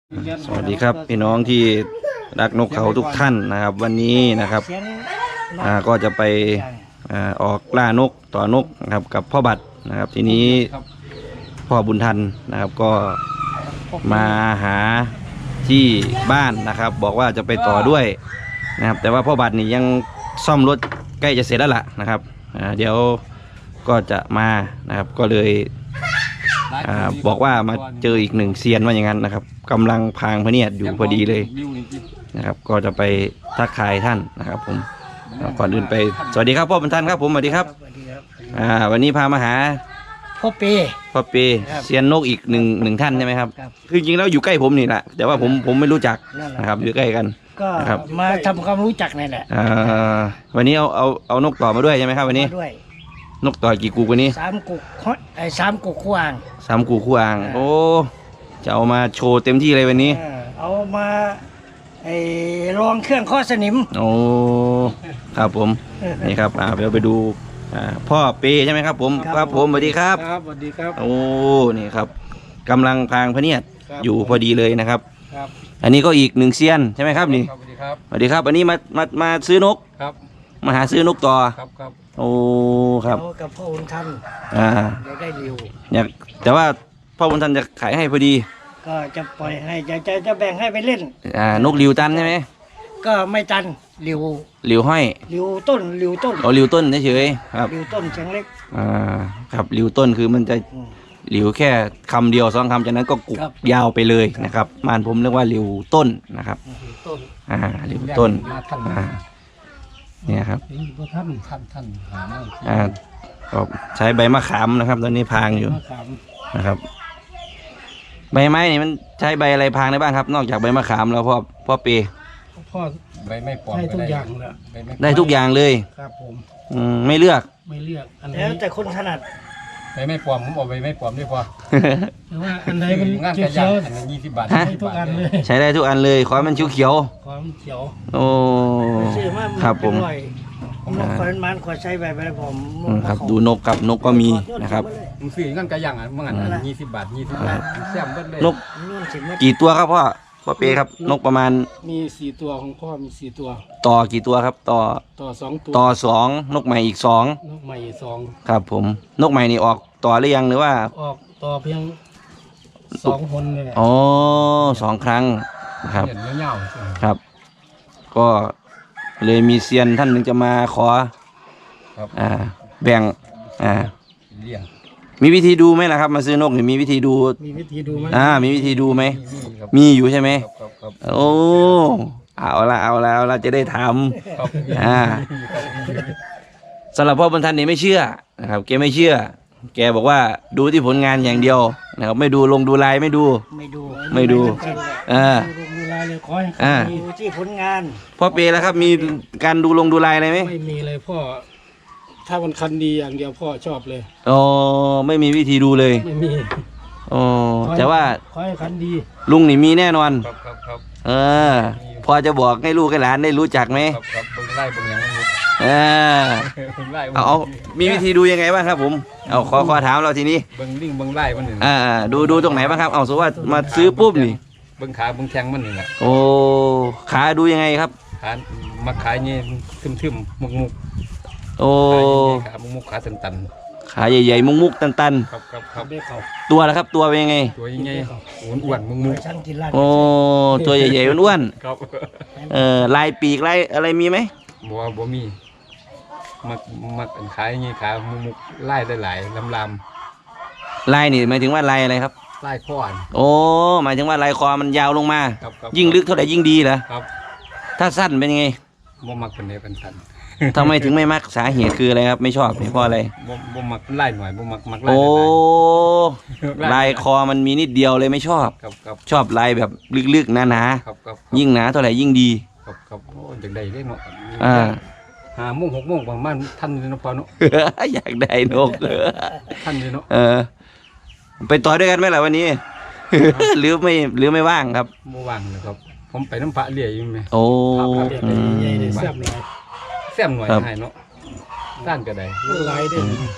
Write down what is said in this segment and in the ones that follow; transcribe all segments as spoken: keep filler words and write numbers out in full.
สวัสดีครับพี่น้องที่รักนกเขาทุกท่านนะครับวันนี้นะครับอ่าก็จะไปอ่าออกล่านกต่อนกนะครับกับพ่อบัตรนะครับทีนี้พ่อบุญทันนะครับก็มาหาที่บ้านนะครับ บอกว่าจะไปต่อด้วยนะครับแต่ว่าพ่อบัตรนี่ยังซ่อมรถใกล้จะเสร็จแล้วล่ะนะครับอ่าเดี๋ยวก็จะมานะครับก็เลยอ่าบอกว่ามาเจออีกหนึ่งเซียนว่าอย่างนั้นนะครับกำลังพางพะเนียดอยู่พอดีเลยนะครับก็จะไปทักทายท่านนะครับผมก่อนอื่นไปสวัสดีครับพ่อบุญทันครับผมสวัสดีครับอ่าวันนี้พามาหาพ่อเปพ่อเปเซียนนกอีกหนึ่งหนึ่งท่านใช่ไหมครับคือจริงแล้วอยู่ใกล้ผมนี่แหละแต่ว่าผมผมไม่รู้จักนะครับอยู่ใกล้กันก็มาทำความรู้จักนี่แหละอ่าวันนี้เอาเอาเอานกต่อมาด้วยใช่ไหมครับวันนี้นกต่อกี่กูวันนี้สามกุกไอ้สามกุกคู่อ่างสามกูคู่อ่างโอ้จะเอามาโชว์เต็มที่เลยวันนี้เอามาไอ้รองเครื่องข้อสนิมโอ้ครับผมนี่ครับอ่าเราไปดูอ่าพ่อเปใช่ไหมครับผมครับผมสวัสดีครับครับสวัสดีครับโอ้นี่ครับกำลังพางพะเนียดอยู่พอดีเลยนะครับครับอันนี้ก็อีกหนึ่งเซียนใช่ไหมครับนี่สวัสดีครับสวัสดีครับอันนี้มามามาซื้อนกครับมาหาซื้อนกต่อครับครับโอ้ครับกับพ่อบุญทันอ่าได้เร็วอยากแต่ว่าพ่อบุญทันจะขายให้พอดีก็จะปล่อยให้จะจะจะแบ่งให้ไปเล่นอ่านกหลิวตันใช่ไหมก็ไม่ตันหลิวหลิวห้อยหลิวต้นหลิวต้นอ๋อหลิวต้นเฉยๆครับหลิวต้นเชียงเล็กอ่าครับหลิวต้นคือมันจะหลิวแค่คำเดียวสองคำจากนั้นก็กุกยาวไปเลยนะครับมานผมเรียกว่าหลิวต้นนะครับต้นอ่าหลิวต้นอ่าเนี่ยครับท่านท่านท่านหาอ่าก็ใช้ใบมะขามนะครับตอนนี้พางอยู่นะครับใบไม้นี่มันใช้ใบอะไรพางได้บ้างครับนอกจากใบมะขามแล้วพ่อพ่อเปพ่อใบไม่ปลอมได้ทุกอย่างเลยได้ทุกอย่างเลยครับผมอืมไม่เลือกไม่เลือกแล้วแต่คนถนัดใบไม่ปลอมผมบอกใบไม่ปลอมด้วยพ่อแต่ว่าอันไหนมันเขียวเขียวอันนี้ยี่สิบบาทใช้ทุกอันเลยใช้ได้ทุกอันเลยขอมันเขียวเขียวขอมันเขียวโอ้ครับผมผมบอกคนมันขอใช้ใบไปผมครับดูนกกับนกก็มีนะครับมึงซื้อเงินกระยังอ่ะเมื่อไงยี่สิบบาทยี่สิบบาทแซมเบิ้ลเลยนกกี่ตัวครับพ่อพ่อเปครับนกประมาณมีสี่ตัวของพ่อมีสี่ตัวต่อกี่ตัวครับต่อต่อสองตัวต่อสองนกใหม่อีกสองนกใหม่อีกสองครับผมนกใหม่นี่ออกต่อหรือยังหรือว่าออกต่อเพียงสองคนเลยอ๋อสองครั้งนะครับครับก็เลยมีเซียนท่านหนึ่งจะมาขออ่าแบ่งอ่ามีวิธีดูไหมล่ะครับมาซื้อนกนี่มีวิธีดูมีวิธีดูไหมอ่ามีวิธีดูไหมมีอยู่ใช่ไหมโอ้เอาละเอาละเอาละจะได้ทำอ่าสำหรับพ่อบุญทันนี่ไม่เชื่อนะครับแกไม่เชื่อแกบอกว่าดูที่ผลงานอย่างเดียวนะครับไม่ดูลงดูลายไม่ดูไม่ดูไม่ดูอ่าดูลายเลยขอให้ดูที่ผลงานพ่อเปแล้วครับมีการดูลงดูลายอะไรไหมไม่มีเลยพ่อถ้ามันคันดีอย่างเดียวพ่อชอบเลยอ๋อไม่มีวิธีดูเลยไม่มีอ๋อแต่ว่าขอให้คันดีลุงนี่มีแน่นอนครับครับครับเออพอจะบอกให้ลูกให้หลานได้รู้จักไหมครับครับเบิ้งไล่เบิ้งยังไม่รู้เออเอาเอามีวิธีดูยังไงบ้างครับผมเอาขอขอถามเราทีนี้เบิ้งลิงเบิ้งไล่มันหนึ่งอ่าดูดูตรงไหนบ้างครับเอาสมมติว่ามาซื้อปุ๊บนี่เบิ้งขาเบิ้งแข้งมันหนึ่งอ่ะโอ้ขาดูยังไงครับขามาขายเงี้ยทึมทึมมุกมุกโอ้ขามุกมุกขาตันตันขาใหญ่ๆมุกมุกตันตันครับครับครับตัวละครับตัวเป็นยังไงตัวยังไงอ้วนอ้วนมุกมุกโอ้ตัวใหญ่ๆอ้วนครับเออลายปีกลายอะไรมีไหมบัวบัวมีมักมักขายอย่างงี้ขามุกมุกไล่ได้หลายลำลำลายนี่หมายถึงว่าลายอะไรครับไล่ข้อโอ้หมายถึงว่าลายคอมันยาวลงมายิ่งลึกเท่าไหร่ยิ่งดีเหรอครับถ้าสั้นเป็นยังไงบ่มักเป็นเนเป็นสั้นทำไมถึงไม่มักสาเหตุคืออะไรครับไม่ชอบเพราะอะไรบ่บ่มักไล่หน่อยบ่มักมักไล่โอ้ลายคอมันมีนิดเดียวเลยไม่ชอบชอบลายแบบลึกๆหนาๆยิ่งหนาเท่าไหร่ยิ่งดีครับครับโอ้อยากได้ได้เนาะอ่าห้าโมงหกโมงประมาณท่านเลยเนาะพอเนาะอยากได้นกเลยท่านเลยเนาะเออไปต่อด้วยกันไหมล่ะวันนี้หรือไม่หรือไม่ว่างครับไม่ว่างเลยครับผมไปน้ำพระเลี้ยอยู่ไหมโอ้แซ่บหน่อยแซ่บหน่อยให้เนาะด้านก็ได้ลายได้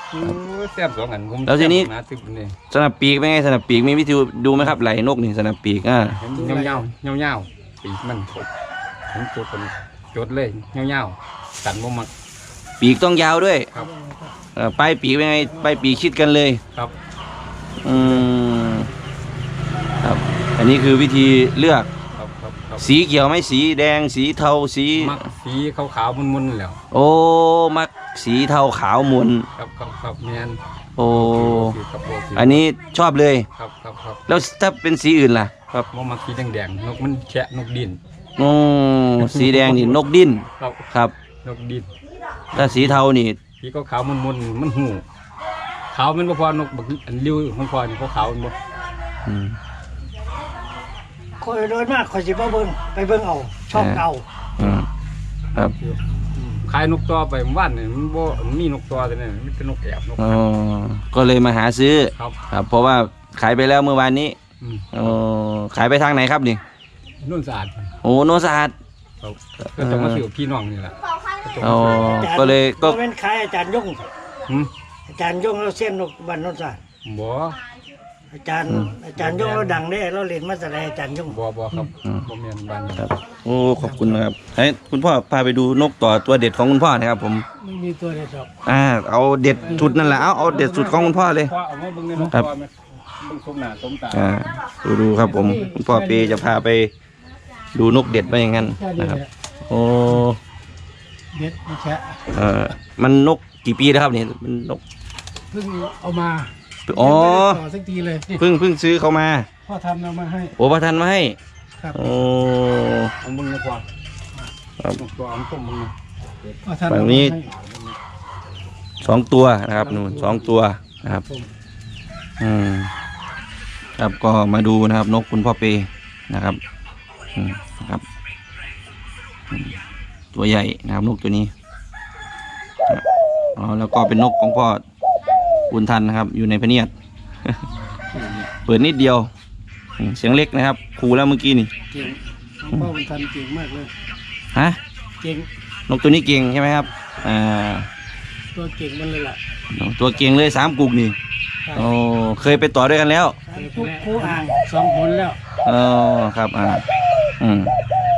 โอ้ยแซ่บสองอันผมแล้วทีนี้หาตึกนี่สนับปีกเป็นไงสนับปีกมีวิธีดูไหมครับไหลนกนี่สนับปีกอ่าเห็นเงาเงาเงาๆปีกมันผมจดผมจดเลยเงาเงาๆสันบ่มักปีกต้องยาวด้วยครับเอ่อปลายปีกเป็นไงปลายปีกชิดกันเลยครับอืมครับอันนี้คือวิธีเลือกครับครับครับสีเขียวไหมสีแดงสีเทาสีมักสีขาวๆมุนๆแล้วโอ้มักสีเทาขาวมุนครับครับครับแม่นโอ้สีครับโอเคอันนี้ชอบเลยครับครับครับแล้วถ้าเป็นสีอื่นล่ะครับบ่มักสีแดงๆนกมันแฉะนกดินโอ้สีแดงนี่นกดิ้นครับครับนกดินถ้าสีเทานี่สีขาวๆมุนๆมันหูขาวมันบ่พอนกบักอันริ้วของพอนี่ขาวๆมันบ่อืมคอยโดยมากคอยสิบ่เบิ่งไปเบิ่งเอาชอบเอาอืมครับขายนกตัวไปเมื่อวานนี่มันบ่มันมีนกตัวแต่นี่มันเป็นนกแอบนกอ๋อก็เลยมาหาซื้อครับครับ เพราะว่าขายไปแล้วเมื่อวานนี้อืมอ๋อขายไปทางไหนครับนี่นุ่นสะอาดโอ้โนสะอาดครับก็จะมาซื้อกับพี่น้องนี่แหละก็จะอ๋มาอซื้อก็เลยก็บ่แม่นขายอาจารย์ยงหืมอาจารย์ยงเราเส้นนกบ้านโนนสานบ่อาจารย์อาจารย์ยงเราดังเด้เราเล่นมาแสดงอาจารย์ยงบ่บ่ครับบ่แม่นบ้านนี้ครับโอ้ขอบคุณนะครับให้คุณพ่อพาไปดูนกต่อตัวเด็ดของคุณพ่อนะครับผมไม่มีตัวใดดอกอ่าเอาเด็ดสุดนั่นแหละเอาเอาเด็ดสุดของคุณพ่อเลยพ่อเอามาเบิ่งในนกครับตัวไหมเบิ่งสมหน้าสมตาอ่าดูดูครับผมคุณพ่อเปจะพาไปดูนกเด็ดไปอย่างนั้นแค่นี้นะครับแหละโอ้เด็ดไม่แช่เอ่อมันนกกี่ปีแล้วครับเนี่ยมันนกเพิ่งเอามาอ๋อต่อสักทีเลยนี่เพิ่งเพิ่งซื้อเขามาพ่อทำเอามาให้โอ้ประทานมาให้ครับโอ้เอาเบิ่งในพ่อครับนกตัวเอาส้มเบิ่งพ่อทำฝั่เอางมานี้ให้สองตัวนะครับนู่นสองตัวนะครับอืมครับก็มาดูนะครับนกคุณพ่อเปนะครับอืมนะครับอืมตัวใหญ่นะครับนกตัวนี้อ๋อแล้วก็เป็นนกของพ่อบุญทันนะครับ อยู่ในพะเนียด เปิดนิดเดียวอืมเสียงเล็กนะครับครูแล้วเมื่อกี้นี่เก่งพ่อบุญทันเก่งมากเลยฮะเก่งนกตัวนี้เก่งใช่ไหมครับอ่าตัวเก่งมันเลยล่ะตัวเก่งเลยสามกุกนี่โอ้เคยไปต่อด้วยกันแล้วทุกคู่อ่างสองผลแล้วเออครับอ่าอืม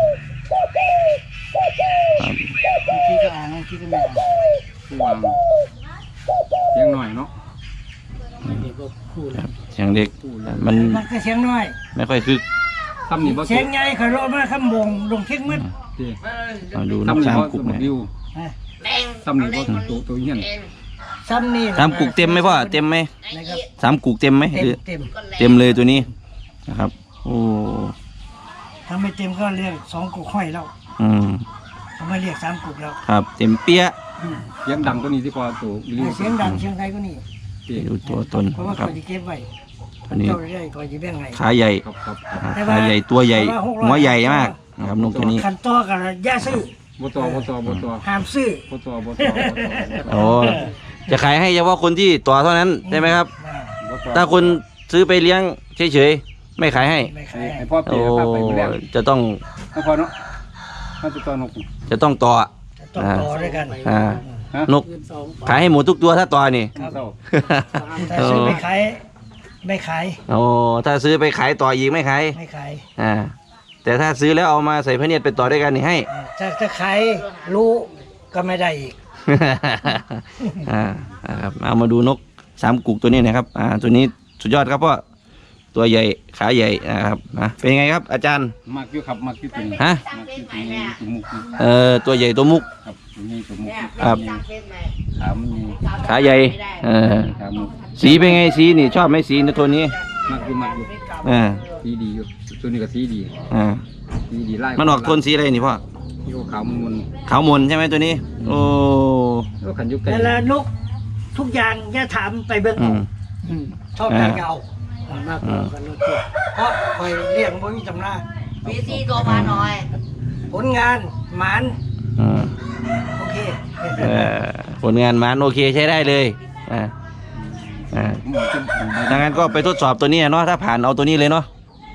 ครับบางทีก็อ่างบางทีก็ไม่อ่างผู้วางเสียงหน่อยเนาะบางทีก็คู่แล้วเสียงเด็กมันมันก็เสียงน้อยไม่ค่อยคึกซ้ำนี่บ่เสียงใหญ่คอยรอมาคำบงลงเข่งมืดที่มาดูนซ้ำกนี่สามบ่กุกบ่เนี่ยริ้วฮะซ้ำนี่บ่ตัวตัวเฮียนซ้ำนี่สามกุกเต็มไหมพ่อเต็มไหมนะครับสามกุกเต็มไหมเต็หมรือเต็มเต็มเลยตัวนี้นะครับโอ้ถ้าไม่เต็มก็เรียกสองกุกห้อยแล้วอืมทำไมเรียกสามกุกแล้วครับเต็มเปี้ยะอืมเสียงดังตัวนี้ที่พอตัวริ้วเสียงดังเสียงใครก็นี่ที่ดูตัวตนเพราะว่าครัคบอยจะเก็บไว้ตัวนี้เจ้าได้คอยจะแบ่งให้ขาใหญ่ครับครับแต่ว่าขาใหญ่ตัวใหญ่แต่ว่าหกร้อยหัวใหญ่มากนะครับนกตัวนี้ขันต่อกันอย่าซื้อบ่ต่อบ่ต่อบ่ต่อห้ามซื้อบ่ต่อบ่ต่อบ่ต่อโอ้จะขายให้เฉพาะคนที่ต่อเท่านั้นใช่ไหมครับบ่ต่อถ้าคนซื้อไปเลี้ยงเฉยๆไม่ขายให้ไม่ให้ขายให้พ่อเปีโอ้ยพาไปมื้อแรกจะต้องให้พ่อเนาะถ้าจะต่อนกจะต้องต่อต้องต่อด้วยกันอ่าฮะนกขายให้หมดทุกตัวถ้าต่อนี่เศร้าแต่ซื้อไม่ขายไม่ขายโอ้ถ้าซื้อไปขายต่ออีกไม่ขายไม่ขายอ่าแต่ถ้าซื้อแล้วเอามาใส่พระเนียดไปต่อด้วยกันนี่ให้ถ้าถ้าขายรู้ก็ไม่ได้อีกอ่าอ่าครับเอามาดูนกสามกุกตัวนี้นะครับอ่าตัวนี้สุดยอดครับพ่อตัวใหญ่ขาใหญ่นะครับอ่ะเป็นยังไงครับ อาจารย์มักอยู่ครับมักอยู่ตัวนี้ฮะมักอยู่ตัวนี้ตัวมุกนี่เอ่อตัวใหญ่ตัวมุกครับตัวนี้ตัวมุกครับขามันมีขาใหญ่เออขามุกสีเป็นไงสีนี่ชอบไหมสีในตัวนี้มักอยู่มักอยู่อ่าสีดีอยู่ตัวนี้ก็สีดีอ่าสีดีไล่มันออกโทนสีอะไรนี่พ่อที่ขาวมันมันขาวมนใช่ไหมตัวนี้ โอ้ก็ขันอยุกไก่แต่ละนกทุกอย่างอย่าถามไปเบิ่งอืเอามอืมชอบการเก่าอืมมากกว่ากันรถตัวเพราะคอยเลี้ยงบ่มีตำราวีซีตัวมาหน่อยผลงานหมานอืมโอเคเอ่อผลงานมันโอเคใช้ได้เลยอ่าอ่ามันจะดังนั้นก็ไปทดสอบตัวนี้เนาะถ้าผ่านเอาตัวนี้เลยเนาะ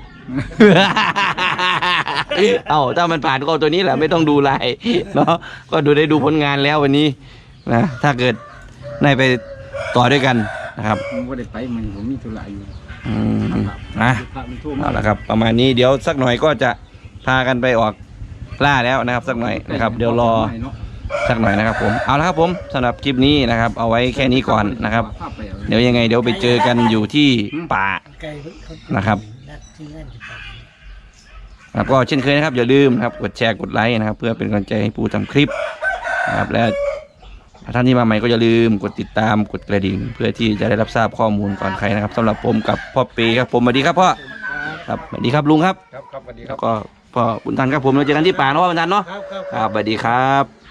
เอาถ้ามันผ่านก็เอาตัวนี้แหละไม่ต้องดูลายเนาะก็ดูได้ดูผลงานแล้ววันนี้นะถ้าเกิดนายไปต่อด้วยกันนะครับผมบ่ได้ไปมันผมมีธุระอยู่อืมนะพระมันโทรมาเอาละครับ ประมาณนี้เดี๋ยวสักหน่อยก็จะพากันไปออกล่าแล้วนะครับ สักหน่อยนะครับ เดี๋ยวรอสักหน่อยนะครับผมเอาละครับผมสำหรับคลิปนี้นะครับ เอาไว้แค่นี้ก่อนนะครับ เดี๋ยวยังไงเดี๋ยวไปเจอกันอยู่ที่ป่าไก่เพิ่นเขานะครับนัดที่นั่นสิครับครับก็เช่นเคยนะครับอย่าลืมนะครับกดแชร์กดไลค์นะครับ เพื่อเป็นกำลังใจให้ปูทำคลิปนะครับและท่านที่มาใหม่ก็อย่าลืมกดติดตามกดกระดิ่ง เพื่อที่จะได้รับทราบข้อมูลก่อนใครนะครับสำหรับผมกับพ่อเปครับผมสวัสดีครับพ่อครับสวัสดีครับลุงครับครับครับสวัสดีคแล้รับวก็พ่อบุญทันครับผมเราเจอกันที่ป่าเนาะพ่อบุญทันเนาะครับครับครับสวัสดีครับ